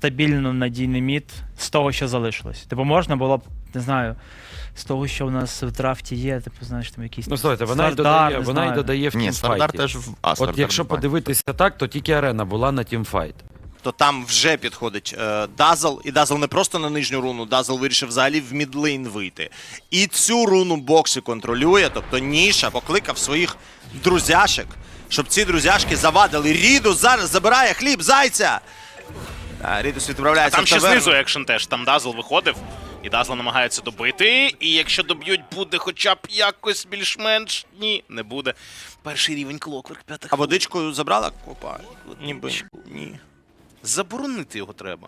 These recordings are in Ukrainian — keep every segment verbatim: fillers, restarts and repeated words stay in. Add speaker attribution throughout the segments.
Speaker 1: стабільно надійний мід з того, що залишилось. Типу, можна було б, не знаю, з того, що у нас в драфті є, типу, знаєш, там якісь...
Speaker 2: Ну, слухайте, вона, й
Speaker 1: Стардар,
Speaker 2: додає,
Speaker 1: не
Speaker 2: вона й
Speaker 1: знаю.
Speaker 2: додає в
Speaker 3: Ні, Стардар
Speaker 2: тімфайті.
Speaker 3: теж в А,
Speaker 2: От
Speaker 3: Стардар
Speaker 2: якщо
Speaker 3: в А.
Speaker 2: подивитися так, то тільки арена була на тімфайт.
Speaker 4: То там вже підходить е, Дазл, і Дазл не просто на нижню руну, Дазл вирішив взагалі в мідлейн вийти. І цю руну боксі контролює, тобто Ніша покликав своїх друзяшек, щоб ці друзяшки завадили. Рідус зараз забирає хліб зайця! А, Рідус відправляється
Speaker 5: Там
Speaker 4: в
Speaker 5: ще
Speaker 4: таверну.
Speaker 5: знизу екшен теж, там Дазл виходив, і Дазл намагається добити, і якщо доб'ють, буде хоча б якось більш-менш, ні, не буде. Перший рівень Клокверк, п'ята
Speaker 4: А
Speaker 5: хвилина.
Speaker 4: водичкою забрала? Опа, ніби ні.
Speaker 5: Заборонити його треба.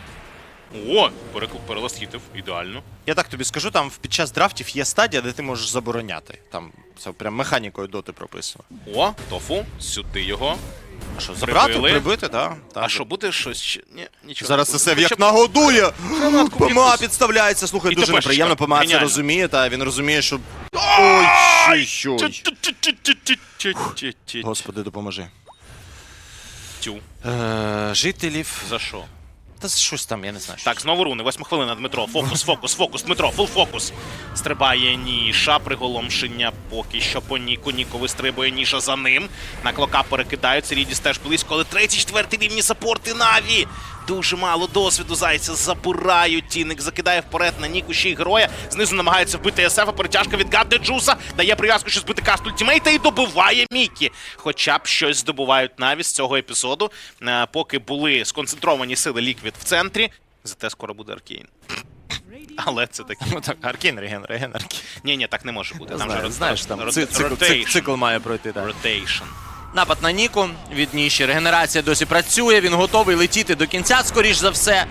Speaker 5: О, перекл- переластітив, ідеально.
Speaker 4: Я так тобі скажу, там під час драфтів є стадія, де ти можеш забороняти. Там це прям механікою доти прописано.
Speaker 5: О, Тофу, сюди його.
Speaker 4: А що, забрати,
Speaker 5: Прибили.
Speaker 4: прибити, так?
Speaker 5: А що, буде щось ще? Ні, нічого.
Speaker 4: Зараз
Speaker 5: не
Speaker 4: це
Speaker 5: буде.
Speaker 4: все як
Speaker 5: Хоча б
Speaker 4: нагодує.
Speaker 5: гранатку
Speaker 4: ПМА
Speaker 5: якусь.
Speaker 4: підставляється. Слухай,
Speaker 5: І
Speaker 4: дуже
Speaker 5: тепешечка.
Speaker 4: неприємно. ПМА це
Speaker 5: Геніально.
Speaker 4: розуміє, та він розуміє, що... Ой, що, що.
Speaker 5: Тю-тю-тю-тю-тю-тю-тю-тю.
Speaker 4: Господи, допоможи.
Speaker 5: Тю.
Speaker 4: Е, жителів...
Speaker 5: За що?
Speaker 4: Та щось там, я не знаю.
Speaker 5: Так, знову руни, восьма хвилина, Дмитро. Фокус, фокус, фокус, Дмитро, фул фокус. Стрибає Ніша, приголомшення поки що по Ніку. Ніку вистрибує Ніша за ним. На Клока перекидаються, Рідіс теж близько, але третій, четвертий рівні саппорти Наві. Дуже мало досвіду, зайця забирають. Тіник закидає вперед на Ніку ще й героя. Знизу намагається вбити ес еф, а перетяжка від Гадде Джуса. Дає прив'язку, що збити каст ультимейта і добиває Мікі. Хоча б щось здобувають Наві з цього епізоду. Е, Поки були сконцентровані сили Ліквід в центрі. Зате скоро буде Аркейн. Але це таке.
Speaker 4: Ну так, Аркейн, Реген, Реген, Аркейн.
Speaker 5: Ні-ні, так не може бути. Там
Speaker 4: Знаю,
Speaker 5: же
Speaker 4: знаєш, там
Speaker 5: рот-
Speaker 4: ци- цикл, цикл,
Speaker 5: ротейшн.
Speaker 4: цикл має пройти, так.
Speaker 5: Ротейшн.
Speaker 4: Напад на Ніку від Ніші. Регенерація досі працює, він готовий летіти до кінця, скоріш за все.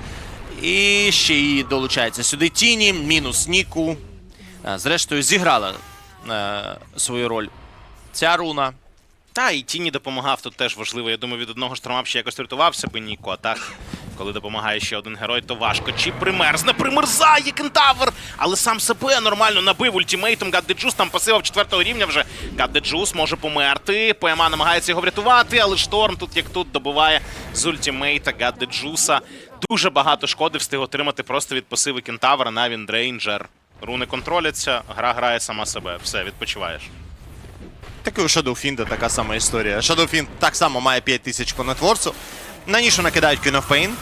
Speaker 4: І ще й долучається сюди Тіні, мінус Ніку. А, Зрештою, зіграла е, свою роль ця руна.
Speaker 5: Та, і Тіні допомагав тут теж важливо. Я думаю, від одного штурма ще якось рятувався би Ніко, а так, коли допомагає ще один герой, то важко. Чи примерзне? Примерзає Кентавр! Але сам себе нормально набив ультимейтом. Гадде Джус там пасивав четвертого рівня вже. Гадде Джус може померти. ПМА намагається його врятувати, але Шторм тут як тут добиває з ультимейта Гадде Джуса. Дуже багато шкоди встиг отримати просто від пасиви Кентавра на Віндрейнджер. Руни контроляться, гра грає сама себе. Все, відпочиваєш.
Speaker 4: Так і у Shadowfiend така сама історія. Shadowfiend так само має п'ять тисяч по нетворцу. На Нішу накидають Queen of Pain.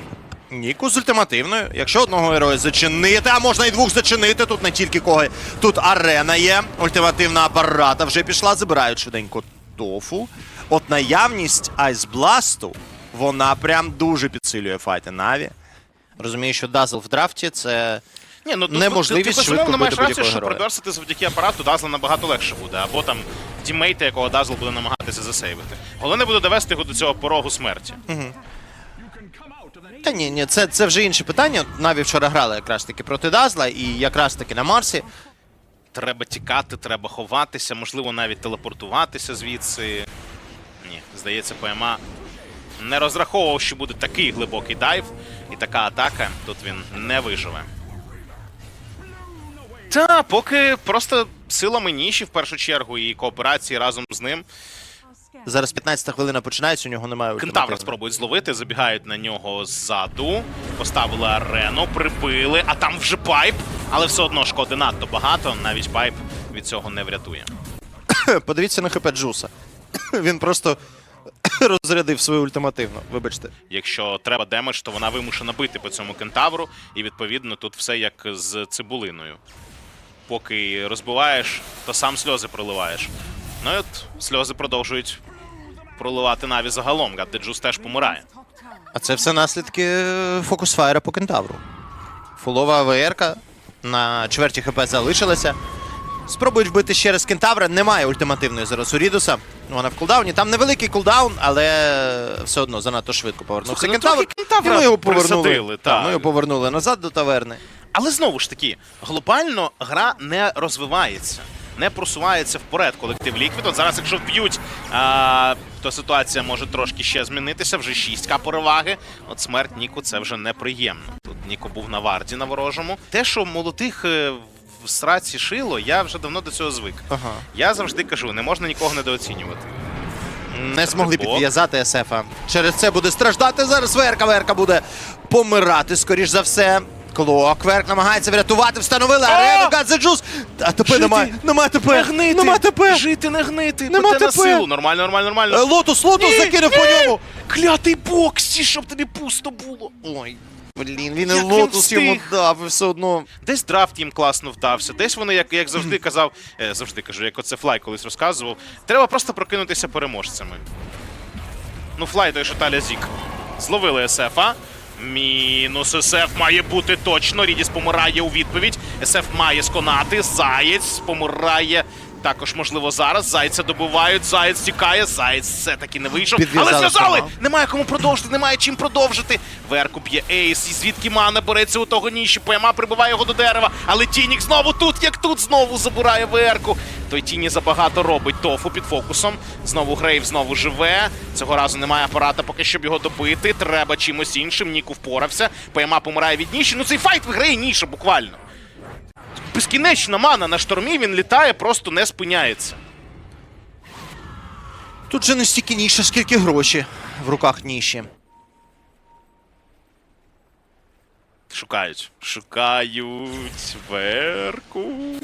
Speaker 4: Ніку з ультимативною. Якщо одного героя зачинити, а можна і двох зачинити, тут не тільки кого. Тут арена є, ультимативна апарата вже пішла, забирають швиденько Тофу. От наявність Айсбласту, вона прям дуже підсилює файти Наві. Розумію, що Дазл в драфті це...
Speaker 5: Ні, ну тут
Speaker 4: Неможливість
Speaker 5: ти, ти,
Speaker 4: швидко
Speaker 5: безумовно маєш
Speaker 4: бити
Speaker 5: рацію,
Speaker 4: будь-якого
Speaker 5: що
Speaker 4: героя.
Speaker 5: приберсити завдяки апарату Дазла набагато легше буде, або там тіммейта, якого Дазл буде намагатися засейвити. Головне буде довести його до цього порогу смерті.
Speaker 4: Та ні, ні, це, це вже інше питання. Наві вчора грали якраз таки проти Дазла і якраз таки на Марсі.
Speaker 5: Треба тікати, треба ховатися, можливо, навіть телепортуватися звідси. Ні, здається, ПМА не розраховував, що буде такий глибокий дайв і така атака. Тут він не виживе. Та, поки просто силами Ніші, в першу чергу, і кооперації разом з ним.
Speaker 4: Зараз п'ятнадцята хвилина починається, у нього немає
Speaker 5: Кентавра
Speaker 4: ультимативної.
Speaker 5: спробують зловити, забігають на нього ззаду, поставили арену, прибили, а там вже пайп, але все одно шкоди надто багато, навіть пайп від цього не врятує.
Speaker 4: Подивіться на ХП Джуса. Він просто розрядив свою ультимативну, вибачте.
Speaker 5: Якщо треба демедж, то вона вимушена бити по цьому кентавру, і відповідно тут все як з цибулиною. Поки розбиваєш, то сам сльози проливаєш. Ну і от сльози продовжують проливати Наві загалом, Гадде Джус теж помирає.
Speaker 4: А це все наслідки фокусфайра по кентавру. Фулова АВР-ка на чверті ХП залишилася. Спробують вбити ще раз кентавра. Немає ультимативної зараз у Рідуса. Вона в кулдауні. Там невеликий кулдаун, але все одно занадто швидко повернувся
Speaker 5: Слухай, ну
Speaker 4: кентавр.
Speaker 5: трохи кентавра
Speaker 4: І ми його повернули.
Speaker 5: присадили,
Speaker 4: Так,
Speaker 5: так.
Speaker 4: ми його повернули назад до таверни.
Speaker 5: Але знову ж таки, глобально гра не розвивається, не просувається вперед колектив Ліквід. От зараз, якщо вб'ють, а, то ситуація може трошки ще змінитися. Вже шість ка переваги. От смерть Ніку — це вже неприємно. Тут Ніко був на варді на ворожому. Те, що молодих е, в сраці шило, я вже давно до цього звик.
Speaker 4: Ага.
Speaker 5: Я завжди кажу, не можна нікого недооцінювати.
Speaker 4: Не змогли
Speaker 5: Стрибок.
Speaker 4: підв'язати СФа. Через це буде страждати зараз Верка. Верка буде помирати, скоріш за все. Клок. Верк намагається врятувати. Встановили арену. Гадзеджус. А ТП
Speaker 5: Жити.
Speaker 4: немає. Нема ТП.
Speaker 5: Не гнити!
Speaker 4: Нема ТП.
Speaker 5: Жити, не гнити!
Speaker 4: Нема
Speaker 5: Пете на
Speaker 4: ТП.
Speaker 5: силу! Нормально, нормально,
Speaker 4: Е,
Speaker 5: нормально!
Speaker 4: Лотус, Лотус
Speaker 5: Ні,
Speaker 4: закинув
Speaker 5: ні!
Speaker 4: по ньому.
Speaker 5: Клятий боксі, щоб тобі пусто було!
Speaker 4: Ой, блін, він і
Speaker 5: Як він
Speaker 4: Лотус йому
Speaker 5: встиг?
Speaker 4: дав, і все одно.
Speaker 5: Десь драфт їм класно вдався, десь вони, як, як завжди казав, е, завжди кажу, як оце Флай колись розказував, треба просто прокинутися переможцями. Ну, Флай той, що Таля Зік. Зловили СФа. Мінус СФ має бути точно. Рідіс помирає у відповідь. СФ має сконати. Заєць помирає. Також, можливо, зараз. Зайця добивають. Заєць тікає. Заєць все-таки не вийшов.
Speaker 4: Підв'язали
Speaker 5: Але зв'язали!
Speaker 4: Шторма.
Speaker 5: Немає кому продовжити, немає чим продовжити. Верку б'є ейс. І звідки мана береться у того ніші. ПМА прибиває його до дерева. Але Тінік знову тут, як тут, знову забирає Верку. Той Тіні забагато робить. Тофу під фокусом. Знову Грейв знову живе. Цього разу немає апарата поки, щоб його добити. Треба чимось іншим. Ніку впорався. ПМА помирає від ніші. Ну цей файт виграє ніша буквально. Безкінечна мана на штормі, він літає, просто не спиняється.
Speaker 4: Тут же не стільки ніша, скільки гроші в руках ніші.
Speaker 5: Шукають. Шукають Верку.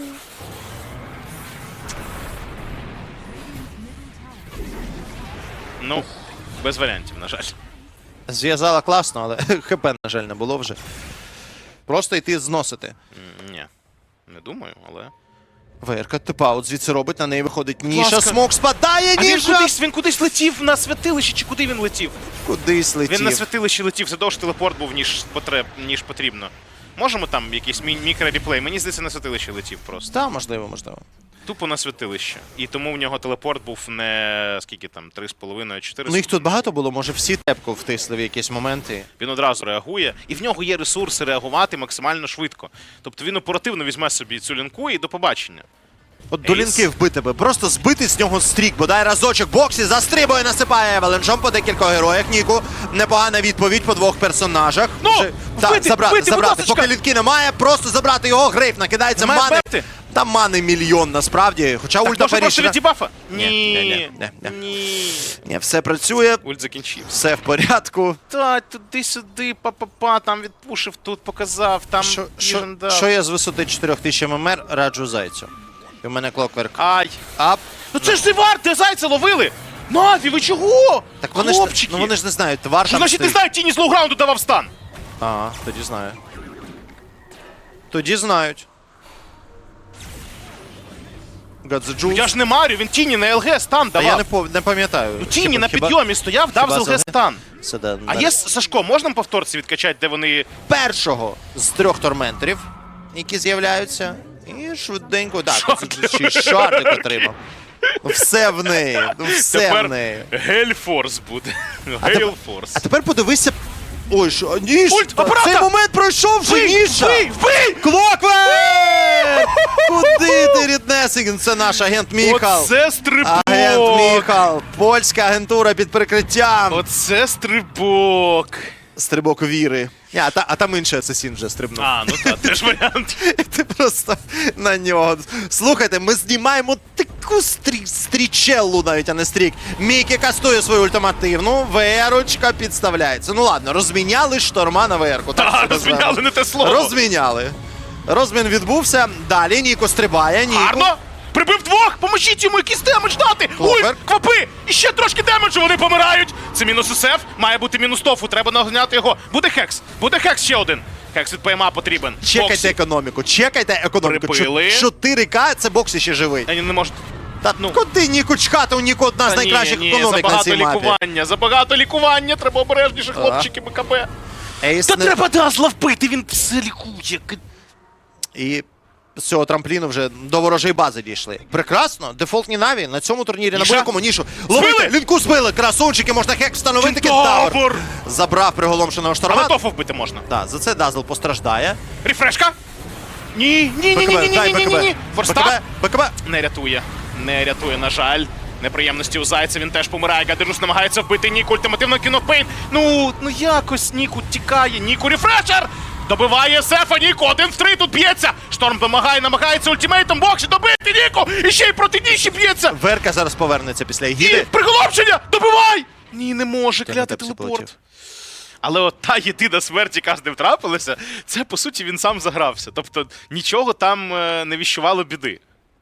Speaker 5: Ну, без варіантів, на жаль.
Speaker 4: Зв'язала класно, але ХП, на жаль, не було вже. Просто йти зносити.
Speaker 5: М, Ні, не думаю, але...
Speaker 4: Верка типаут звідси робить, на неї виходить Ніша.
Speaker 5: ласка.
Speaker 4: Смок спадає,
Speaker 5: А він
Speaker 4: Ніша!
Speaker 5: кудись, він кудись летів на святилище, чи куди він летів?
Speaker 4: Кудись летів.
Speaker 5: Він на святилище летів, це довше телепорт був, ніж, потреб, ніж потрібно. Можемо там якийсь мі- мікро-реплей? Мені здається, на святилище летів просто.
Speaker 4: Так, можливо, можливо.
Speaker 5: Тупо на святилище. І тому в нього телепорт був не скільки там, три з половиною чотири.
Speaker 4: Ну їх тут багато було, може всі тепку втисли в якісь моменти.
Speaker 5: Він одразу реагує, і в нього є ресурси реагувати максимально швидко. Тобто він оперативно візьме собі цю лінку і до побачення.
Speaker 4: От до лінки вбити би, просто збити з нього стрік, бодай разочок боксі, застрибує, насипає Евеленджом по декількох героях. Ніку, непогана відповідь по двох персонажах.
Speaker 5: Ну,
Speaker 4: Вже- Так,
Speaker 5: вбити,
Speaker 4: забрати,
Speaker 5: вбити, будь
Speaker 4: забрати.
Speaker 5: ласочка.
Speaker 4: Поки лінки немає, просто забрати його, Грейв накидається,
Speaker 5: Немає
Speaker 4: мани.
Speaker 5: бепти.
Speaker 4: Там мани мільйон насправді, хоча
Speaker 5: Так,
Speaker 4: ульта
Speaker 5: може просто
Speaker 4: перейшла.
Speaker 5: від дебафа?
Speaker 4: Ні,
Speaker 5: Ні,
Speaker 4: ні, ні, ні,
Speaker 5: ні.
Speaker 4: Ні, все працює,
Speaker 5: Ульт закінчив.
Speaker 4: все в порядку.
Speaker 5: Та, туди-сюди, па-па-па, там відпушив, тут показав, там
Speaker 4: Що, що,
Speaker 5: Vision дав.
Speaker 4: що я з висоти чотирьох тисяч ММР раджу зайцю? І в мене клокверк.
Speaker 5: Ай.
Speaker 4: Ап.
Speaker 5: Ну це ж Зевар, де зайця ловили! Наві, ви чого?
Speaker 4: Так вони ж,
Speaker 5: Хлопчики!
Speaker 4: ну вони ж не знають, твар
Speaker 5: Що
Speaker 4: там
Speaker 5: значить не
Speaker 4: стоїть.
Speaker 5: знають, Тіні з лоуграунду давав стан?
Speaker 4: Ага, тоді знаю. Тоді знають. Гадзеджу.
Speaker 5: Я ж не марю, він Тіні на ЛГ стан
Speaker 4: Та
Speaker 5: давав.
Speaker 4: я не, пов... не пам'ятаю.
Speaker 5: Ну Тіні
Speaker 4: Хіба-
Speaker 5: на
Speaker 4: хіба-
Speaker 5: підйомі стояв, дав
Speaker 4: хіба
Speaker 5: з
Speaker 4: за
Speaker 5: ЛГ стан.
Speaker 4: Це да,
Speaker 5: А
Speaker 4: на-
Speaker 5: є, Сашко, можна нам повторці відкачати, де вони...
Speaker 4: першого з трьох торменторів, які з'являються. І швиденько. Так,
Speaker 5: Шартик.
Speaker 4: це ще й шартик отримав. Ну, все в неї. Ну, все
Speaker 5: Тепер
Speaker 4: в неї.
Speaker 5: Гельфорс буде.
Speaker 4: А тепер-
Speaker 5: Гейлфорс.
Speaker 4: А тепер подивися. Ой, що. Ніж!
Speaker 5: Ульт, апарата!
Speaker 4: Цей момент пройшов вже
Speaker 5: Вбий,
Speaker 4: Ніша!
Speaker 5: вбий, вбий!
Speaker 4: Клоквер! Куди ти, ріднесик? Це наш агент Міхал.
Speaker 5: Оце стрибок!
Speaker 4: Агент Міхал. Польська агентура під прикриттям.
Speaker 5: Оце стрибок!
Speaker 4: Стрибок віри. Ні, а, та, а там інший асасін вже стрибнув.
Speaker 5: А, ну так, теж варіант.
Speaker 4: Ти просто на нього. Слухайте, ми знімаємо таку стрі... стрічеллу навіть, а не стрік. Мікі кастує свою ультимативну, Верочка підставляється. Ну ладно, розміняли шторма на Верку. Так,
Speaker 5: Та,
Speaker 4: це
Speaker 5: розміняли
Speaker 4: називаємо.
Speaker 5: не те слово.
Speaker 4: Розміняли. Розмін відбувся. Далі Ніко стрибає. Ніко.
Speaker 5: Гарно! Прибив двох! Поможіть йому якийсь демедж дати!
Speaker 4: Клопер.
Speaker 5: Ульт, квапи! І ще трошки демеджу, вони помирають! Це мінус СФ, має бути мінус тофу, треба нагняти його. Буде хекс! Буде хекс ще один! Хекс від ПМА потрібен.
Speaker 4: Чекайте
Speaker 5: Боксі.
Speaker 4: економіку, чекайте економіку.
Speaker 5: Прибили.
Speaker 4: чотири ка це боксі ще живий.
Speaker 5: Та ні, не можуть.
Speaker 4: Та
Speaker 5: ну.
Speaker 4: куди Ніку чхати? У Ніку одна з
Speaker 5: Та ні,
Speaker 4: найкращих
Speaker 5: ні,
Speaker 4: економік на
Speaker 5: забагато
Speaker 4: цій мапі.
Speaker 5: лікування, забагато лікування, треба обережніше, хлопчики, БКБ.
Speaker 4: Ейс
Speaker 5: Та
Speaker 4: не-
Speaker 5: треба Дазла вбити, він все лікує.
Speaker 4: І з цього трампліну вже до ворожої бази дійшли. Прекрасно, дефолтні наві на цьому турнірі на
Speaker 5: Ніша?
Speaker 4: будь-якому нішу. Ловити,
Speaker 5: Збили!
Speaker 4: лінку збили, красунчики, можна хек встановити, кентавр.
Speaker 5: Кентавр!
Speaker 4: Забрав приголомшеного
Speaker 5: Але
Speaker 4: шторма.
Speaker 5: тофу вбити можна.
Speaker 4: Так, за це Дазл постраждає.
Speaker 5: Рефрешка? Ні, ні, ні, ні, ні, ні, ні, ні, ні. Форстап?
Speaker 4: БКБ, БКБ.
Speaker 5: Не рятує. Не рятує, на жаль. Неприємності у Зайця, він теж помирає. Гадерус намагається вбити Ніку, ультимативно кинув Пейн. Ну, ну якось Ніку тікає. Ніку рефрешер! Добиває Сефа, Ніку, один в три тут б'ється. Шторм вимагає, намагається ультимейтом боксі добити Ніку. І ще й проти Ніші б'ється.
Speaker 4: Верка зараз повернеться після
Speaker 5: І
Speaker 4: Егіди.
Speaker 5: приголомшення! Добивай! Ні, не може, клятий
Speaker 4: Тепсі
Speaker 5: телепорт.
Speaker 4: полетів.
Speaker 5: Але от та єдина смерть, яка з ним трапилася, це, по суті, він сам загрався. Тобто нічого там е, не віщувало біди.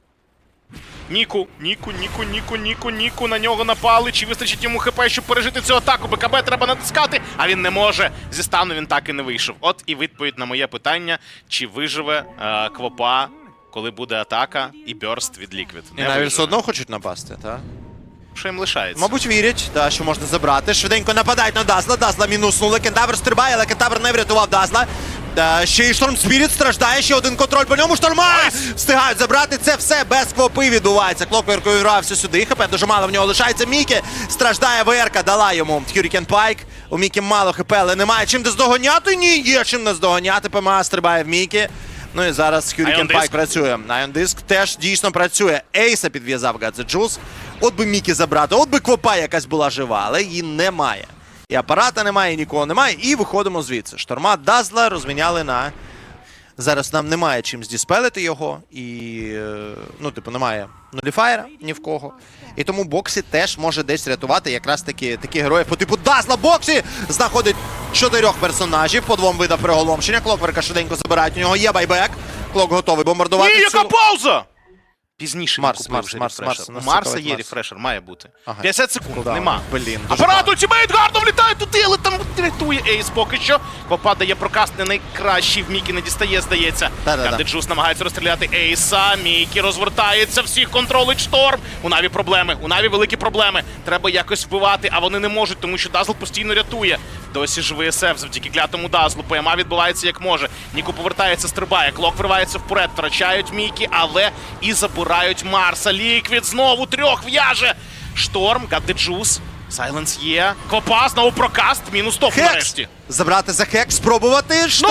Speaker 5: Ніку, Ніку, Ніку, Ніку, Ніку, Ніку, на нього напали. Чи вистачить йому хп, щоб пережити цю атаку? БКБ треба натискати, а він не може. Зі стану він так і не вийшов. От і відповідь на моє питання, чи виживе е, Квопа, коли буде атака і бёрст від Ліквід.
Speaker 4: І навіть все одно хочуть напасти, так?
Speaker 5: Що їм лишається?
Speaker 4: Мабуть, вірять, да, що можна забрати. Швиденько нападають на Дазла. Дазла мінуснули. Кентавр стрибає, але Кентавр не врятував Дазла. Та ще й Шторм Спіріт страждає, ще один контроль по ньому. Шторма! Встигають забрати. Це все без Квопи відбувається. Клокверк увірався сюди. ХП дуже мало в нього лишається. Мікі страждає. ВРК дала йому Hurricane Пайк. У Мікі мало ХП, але немає чим наздоганяти. Ні, є чим наздоганяти. ПМА стрибає в Мікі. Ну і зараз
Speaker 5: Ion
Speaker 4: Hurricane
Speaker 5: Disc.
Speaker 4: Пайк працює. Ion Disc теж дійсно працює. Ейса підв'язав Гадзеджус. От би Мікі забрати, от би Квопа якась була жива, але її немає. І апарата немає, і нікого немає, і виходимо звідси. Шторма Дазла розміняли на... Зараз нам немає чим здіспелити його, і, е, ну, типу, немає нуліфаєра ні в кого. І тому Боксі теж може десь рятувати якраз таки такі героїв по типу Дазла. Боксі знаходить чотирьох персонажів, по двом видах приголомшення. Клокверка швиденько забирають, у нього є байбек. Клок готовий бомбардувати.
Speaker 5: Ні, яка
Speaker 4: всю-
Speaker 5: пауза! Пізніше
Speaker 4: Марс,
Speaker 5: він купив
Speaker 4: Марс,
Speaker 5: вже
Speaker 4: Марс,
Speaker 5: рефрешер.
Speaker 4: Марс,
Speaker 5: У
Speaker 4: нас
Speaker 5: Марса
Speaker 4: цікавить
Speaker 5: є
Speaker 4: Марс.
Speaker 5: рефрешер, має бути.
Speaker 4: Ага.
Speaker 5: п'ятдесят секунд,
Speaker 4: Кулдаун.
Speaker 5: нема.
Speaker 4: Блін, дуже
Speaker 5: Апарат
Speaker 4: багато.
Speaker 5: ультимейт гарно влітає туди, але там рятує Ейс поки що. Квопа дає прокаст не найкращий, в Мікі не дістає, здається.
Speaker 4: Да-да-да.
Speaker 5: Гадеджус намагається розстріляти Ейса, Мікі розвертається, всіх контролить Шторм. У Наві проблеми, у Наві великі проблеми. Треба якось вбивати, а вони не можуть, тому що Дазл постійно рятує. Досі живий ес еф завдяки клятому Дазлу. ПМА відбувається як може. Ніку повертається, стрибає. Клок вривається вперед, втрачають Мікі, але і забирають Марса. Ліквід знову трьох в'яже. Шторм, Гадеджус, Сайленс є. Квопа, знову прокаст, мінус топ
Speaker 4: Хекс!
Speaker 5: нарешті.
Speaker 4: Забрати за хекс, спробувати. Що?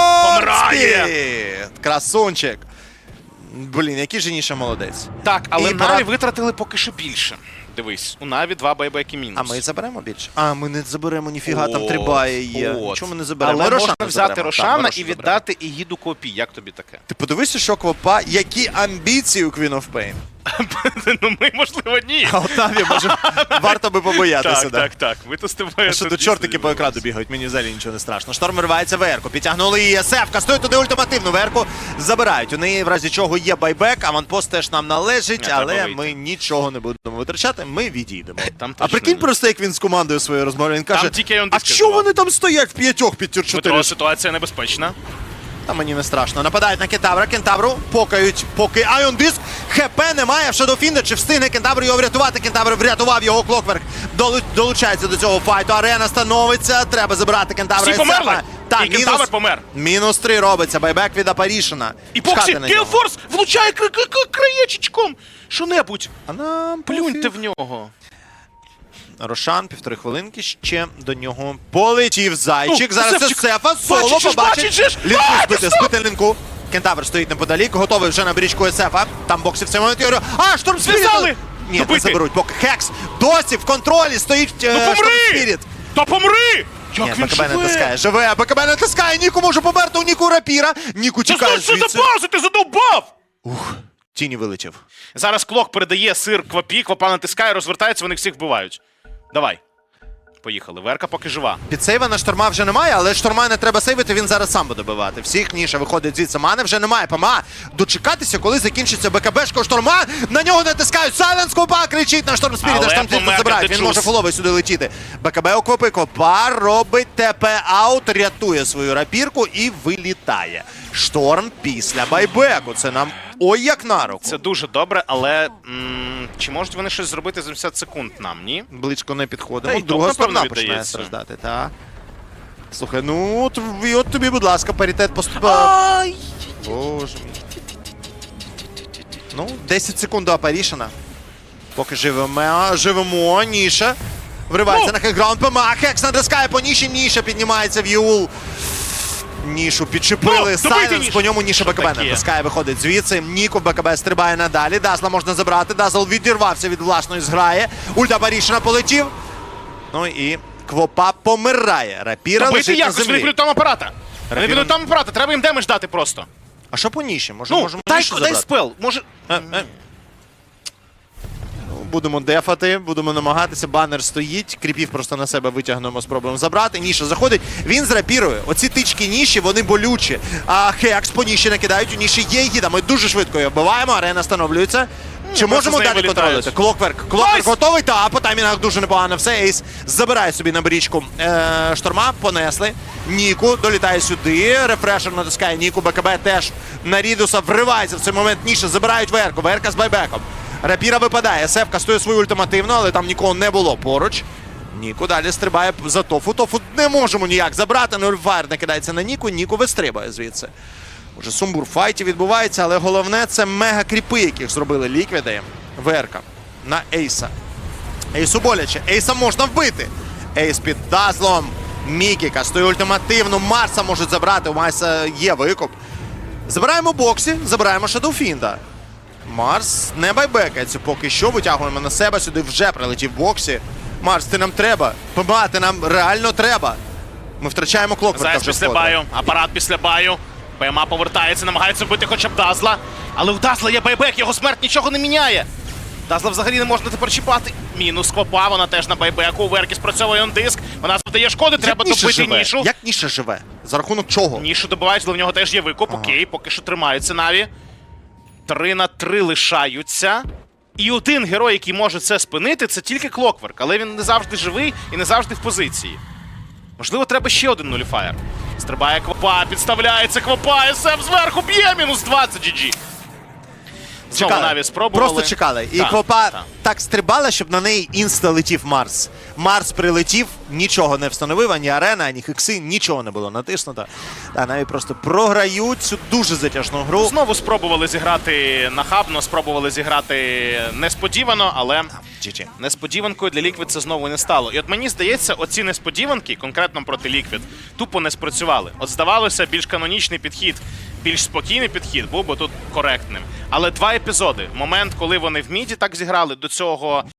Speaker 5: помирає!
Speaker 4: Спіріт! Красунчик. Блін, який же Ніша молодець.
Speaker 5: Так, але
Speaker 4: І
Speaker 5: Наві
Speaker 4: пора-
Speaker 5: витратили поки що більше. Дивись, у Наві два байбеки мінус.
Speaker 4: А ми заберемо більше? А, ми не заберемо, ніфіга, там
Speaker 5: От,
Speaker 4: три баї є.
Speaker 5: от.
Speaker 4: Чому ми не заберемо?
Speaker 5: Але
Speaker 4: Ми Рошана
Speaker 5: можна взяти
Speaker 4: заберемо.
Speaker 5: Рошана
Speaker 4: Так, ми
Speaker 5: і
Speaker 4: Рошана
Speaker 5: віддати Ігіду Квопі. Як тобі таке?
Speaker 4: Ти подивися, що Квопа, які амбіції у Queen of Pain.
Speaker 5: Ну ми, можливо, ні.
Speaker 4: А от Наві, може, варто би побоятися.
Speaker 5: Так,
Speaker 4: да.
Speaker 5: так, так. Ми то з тобою.
Speaker 4: А що
Speaker 5: тут
Speaker 4: тут
Speaker 5: дійсно
Speaker 4: чортики по
Speaker 5: дивимося.
Speaker 4: екрану бігають, мені взагалі нічого не страшно. Шторм виривається Верку, підтягнули її ес еф, кастують туди ультимативну Верку, забирають. У неї в разі чого є байбек, аванпост теж нам належить,
Speaker 5: Не, треба
Speaker 4: але
Speaker 5: вийти.
Speaker 4: ми нічого не будемо витрачати, ми відійдемо.
Speaker 5: Там
Speaker 4: А
Speaker 5: точно
Speaker 4: прикинь
Speaker 5: ні.
Speaker 4: просто, як він з командою своєю розмовляє, він каже,
Speaker 5: тільки Ion
Speaker 4: а
Speaker 5: Disc
Speaker 4: що
Speaker 5: була.
Speaker 4: вони там стоять в п'ятьох під тір чотири?
Speaker 5: Дмитро, ситуація небезпечна.
Speaker 4: Та мені не страшно. Нападають на Кентавра, Кентавру покають, поки Ion Disc. ХП немає в Shadowfiend. Чи встигне Кентавр його врятувати? Кентавр врятував його, Клокверк долу- долучається до цього файту. Арена становиться, треба забирати Кентавра.
Speaker 5: Всі
Speaker 4: із
Speaker 5: померли?
Speaker 4: себе. Так,
Speaker 5: І Кентавр помер.
Speaker 4: Мінус три робиться, байбек від Апарішина.
Speaker 5: І Боксі,
Speaker 4: Чекати на нього.
Speaker 5: Гелфорс влучає кра- кра- кра- краєчечком. Що-небудь.
Speaker 4: А нам
Speaker 5: Плюньте
Speaker 4: пофіг.
Speaker 5: в нього.
Speaker 4: Рошан, півтори хвилинки, ще до нього полетів зайчик.
Speaker 5: Ну,
Speaker 4: Зараз це
Speaker 5: Севчик.
Speaker 4: Сефа, соло
Speaker 5: Бачить же ж,
Speaker 4: побачить.
Speaker 5: бачить же ж.
Speaker 4: Лінку
Speaker 5: А,
Speaker 4: збити,
Speaker 5: стоп!
Speaker 4: збити лінку. Кентавр стоїть неподалік, готовий вже на брічку Сефа. Там Боксі в цей момент. Я говорю, а, Шторм Спіріт!
Speaker 5: Зв'язали!
Speaker 4: Ні, не
Speaker 5: Добити!
Speaker 4: заберуть, поки Хекс досі в контролі стоїть
Speaker 5: Ну
Speaker 4: е, Шторм
Speaker 5: помри!
Speaker 4: Спіріт.
Speaker 5: Та помри!
Speaker 4: Ні,
Speaker 5: Як він
Speaker 4: БКБ не
Speaker 5: живе?
Speaker 4: тискає, живе, БКБ не тискає, Ніку може померти, у Ніку рапіра. Ніку
Speaker 5: Та
Speaker 4: тікає
Speaker 5: знаєш, що
Speaker 4: звідси.
Speaker 5: за пауза, ти задовбав!
Speaker 4: Ух, тіні вилетів.
Speaker 5: Зараз Клок передає сир Квапі, Квапа натискає, розвертається, вони всіх вбивають. Давай. Поїхали. Верка поки жива.
Speaker 4: Підсейва на Шторма вже немає, але Шторма не треба сейвити, він зараз сам буде бивати. Всіх Ніша виходить звідси, мани вже немає. ПМА дочекатися, коли закінчиться БКБшко Шторма, на нього натискають. Сайленс Квопа кричить на Шторм Спіріт,
Speaker 5: Але
Speaker 4: аж там тільки
Speaker 5: помер
Speaker 4: забирають, він
Speaker 5: Гадеджус.
Speaker 4: може фуловий сюди летіти. БКБ у Квопи, Квопа робить ТП-аут, рятує свою рапірку і вилітає. Шторм після байбеку, це нам ой як на руку.
Speaker 5: Це дуже добре, але м, чи можуть вони щось зробити за сімдесят секунд нам, ні?
Speaker 4: Близько не підходимо.
Speaker 5: Та й
Speaker 4: Друга
Speaker 5: топ,
Speaker 4: сторона
Speaker 5: напевно,
Speaker 4: починає
Speaker 5: віддається.
Speaker 4: страждати, так. Слухай, ну от, і от тобі, будь ласка, паритет поступив.
Speaker 5: Ай!
Speaker 4: Боже мій. Ну, десять секунд до Апарішина. Поки живемо, живемо, Ніша. Вривається
Speaker 5: Ну!
Speaker 4: на хекграунд ПМА, Хекс натискає по Ніші, Ніша піднімається в Єул. Нішу підчепили,
Speaker 5: Ну, добийте
Speaker 4: Сайленс,
Speaker 5: Нішу.
Speaker 4: по ньому Ніша
Speaker 5: Що
Speaker 4: БКБ
Speaker 5: таке?
Speaker 4: натискає, виходить звідси. Ніку БКБ стрибає надалі, Дазла можна забрати, Дазл відірвався від власної зграї. Ульта Апарішина полетів. Ну і Квопа помирає. Рапіра
Speaker 5: Добити
Speaker 4: лежить на
Speaker 5: якось
Speaker 4: землі.
Speaker 5: виплю там апарата. Вони
Speaker 4: Рапіра-
Speaker 5: підуть там брати, треба їм демедж дати просто.
Speaker 4: А що по ніші? Може,
Speaker 5: Ну,
Speaker 4: можемо
Speaker 5: дай,
Speaker 4: нішу
Speaker 5: дай
Speaker 4: забрати?
Speaker 5: спел, може...
Speaker 4: Е, е. Ну, Будемо дефати, будемо намагатися. Банер стоїть. Кріпів просто на себе витягнемо, спробуємо забрати. Ніша заходить. Він з рапірою. Оці тички ніші, вони болючі. А Хекс по ніші накидають. У ніші є гіда. Ми дуже швидко його вбиваємо. Арена встановлюється. Чи
Speaker 5: просто
Speaker 4: можемо
Speaker 5: з неї
Speaker 4: далі
Speaker 5: вилітають.
Speaker 4: контролювати? Клокверк. Клокверк
Speaker 5: Найс!
Speaker 4: готовий. Та по таймінгах дуже непогано все. Ейс забирає собі на брічку е, шторма. Понесли. Ніку долітає сюди. Рефрешер натискає Ніку. БКБ теж на Рідуса вривається в цей момент. Ніша забирають Верку. Верка з байбеком. Рапіра випадає. Сеф кастує свою ультимативну, але там нікого не було поруч. Ніку далі стрибає за Тофу. Тофу не можемо ніяк забрати. Нульфайр накидається на Ніку. Ніку вистрибає звідси. Уже сумбур в файті відбувається, але головне це мега-кріпи, яких зробили ліквіди. Верка на Ейса. Ейсу боляче. Ейса можна вбити. Ейс під дазлом. Мікі кастує ультимативну. Марса можуть забрати. У Марса є викуп. Забираємо боксі, забираємо Шадоуфінда. Марс не байбекається поки що. Витягуємо на себе. Сюди вже прилетів боксі. Марс, ти нам треба. Помагати нам реально треба. Ми втрачаємо Клокверка
Speaker 5: Заяць
Speaker 4: вже
Speaker 5: після
Speaker 4: вкотре.
Speaker 5: баю, апарат після баю. ПМА повертається, намагається вбити хоча б Дазла. Але у Дазла є байбек, його смерть нічого не міняє. Дазла взагалі не можна тепер чіпати. Мінус Квапа, вона теж на байбеку. У Верки спрацьовує он-диск. Вона завдає шкоди, треба
Speaker 4: Як Ніша
Speaker 5: добити
Speaker 4: живе?
Speaker 5: нішу.
Speaker 4: Як Ніша живе? За рахунок чого?
Speaker 5: Нішу добивають, але в нього теж є викуп.
Speaker 4: Ага.
Speaker 5: Окей, поки що тримаються Наві. Три на три лишаються. І один герой, який може це спинити, це тільки Клокверк. Але він не завжди живий і не завжди в позиції. Можливо, треба ще один нуліфаєр. Стрибає Квапа, підставляється Квапа, СМ зверху б'є, мінус двадцять, джі джі. Знову Наві спробували.
Speaker 4: Просто чекали. І
Speaker 5: Так,
Speaker 4: Квапа
Speaker 5: так.
Speaker 4: так стрибала, щоб на неї інста летів Марс. Марс прилетів, нічого не встановив, ані арена, ані хекси, нічого не було натиснуто. Та навіть просто програють цю дуже затяжну гру.
Speaker 5: Знову спробували зіграти нахабно, спробували зіграти несподівано, але
Speaker 4: джі джі.
Speaker 5: несподіванкою для Liquid це знову не стало. І от мені здається, оці несподіванки, конкретно проти Liquid, тупо не спрацювали. От здавалося, більш канонічний підхід, більш спокійний підхід був би тут коректним. Але два епізоди. Момент, коли вони в міді так зіграли, до цього